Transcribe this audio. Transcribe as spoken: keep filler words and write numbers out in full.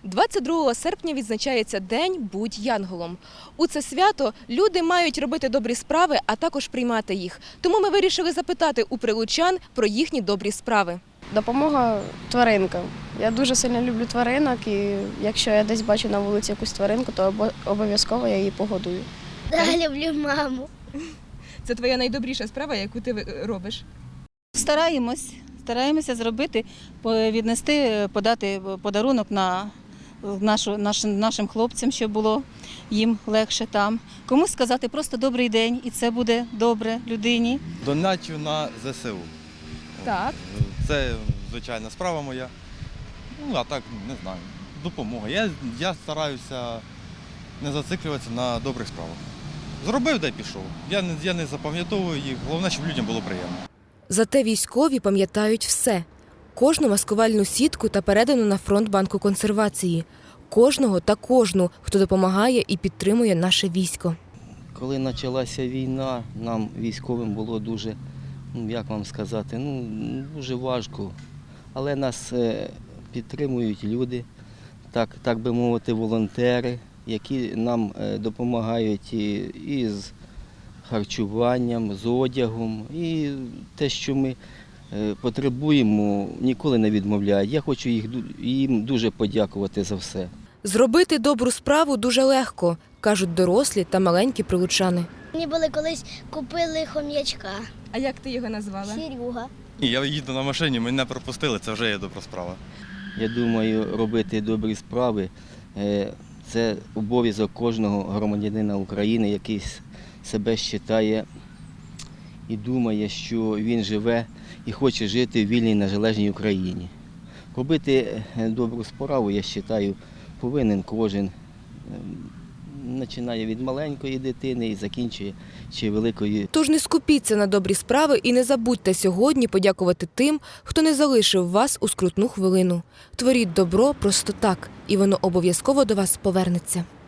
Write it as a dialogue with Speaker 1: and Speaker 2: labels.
Speaker 1: двадцять другого серпня відзначається День «Будь янголом». У це свято люди мають робити добрі справи, а також приймати їх. Тому ми вирішили запитати у прилучан про їхні добрі справи.
Speaker 2: Допомога тваринкам. Я дуже сильно люблю тваринок, і якщо я десь бачу на вулиці якусь тваринку, то обов'язково я її погодую.
Speaker 3: Да, люблю маму.
Speaker 1: Це твоя найдобріша справа, яку ти робиш?
Speaker 4: Стараємось, стараємося зробити, віднести, подати подарунок на нашу, нашим, нашим хлопцям, щоб було їм легше там. Комусь сказати просто добрий день, і це буде добре людині.
Speaker 5: Доначу на зе се у.
Speaker 1: Так.
Speaker 5: Це звичайна справа моя. Ну, а так, не знаю, допомога. Я, я стараюся не зациклюватися на добрих справах. Зробив, де пішов. Я не, я не запам'ятовую їх, головне, щоб людям було приємно.
Speaker 1: Зате військові пам'ятають все. Кожну маскувальну сітку та передану на фронт банку консервації. Кожного та кожну, хто допомагає і підтримує наше військо.
Speaker 6: Коли почалася війна, нам військовим було дуже, ну, як вам сказати, ну, дуже важко. Але нас підтримують люди, так, так би мовити, волонтери, які нам допомагають і з харчуванням, з одягом. І те, що ми потребуємо, ніколи не відмовляють. Я хочу їх, їм дуже подякувати за все.
Speaker 1: Зробити добру справу дуже легко, кажуть дорослі та маленькі прилучани.
Speaker 3: Мені були колись купили хом'ячка.
Speaker 1: А як ти його назвала?
Speaker 3: Серега.
Speaker 5: Я їду на машині, мене пропустили, це вже є добра справа.
Speaker 6: Я думаю, робити добрі справи – це обов'язок кожного громадянина України, який себе вважає і думає, що він живе і хоче жити в вільній незалежній Україні. Робити добру справу, я вважаю, повинен кожен. Починає від маленької дитини і закінчує ще великою.
Speaker 1: Тож не скупіться на добрі справи і не забудьте сьогодні подякувати тим, хто не залишив вас у скрутну хвилину. Творіть добро просто так, і воно обов'язково до вас повернеться.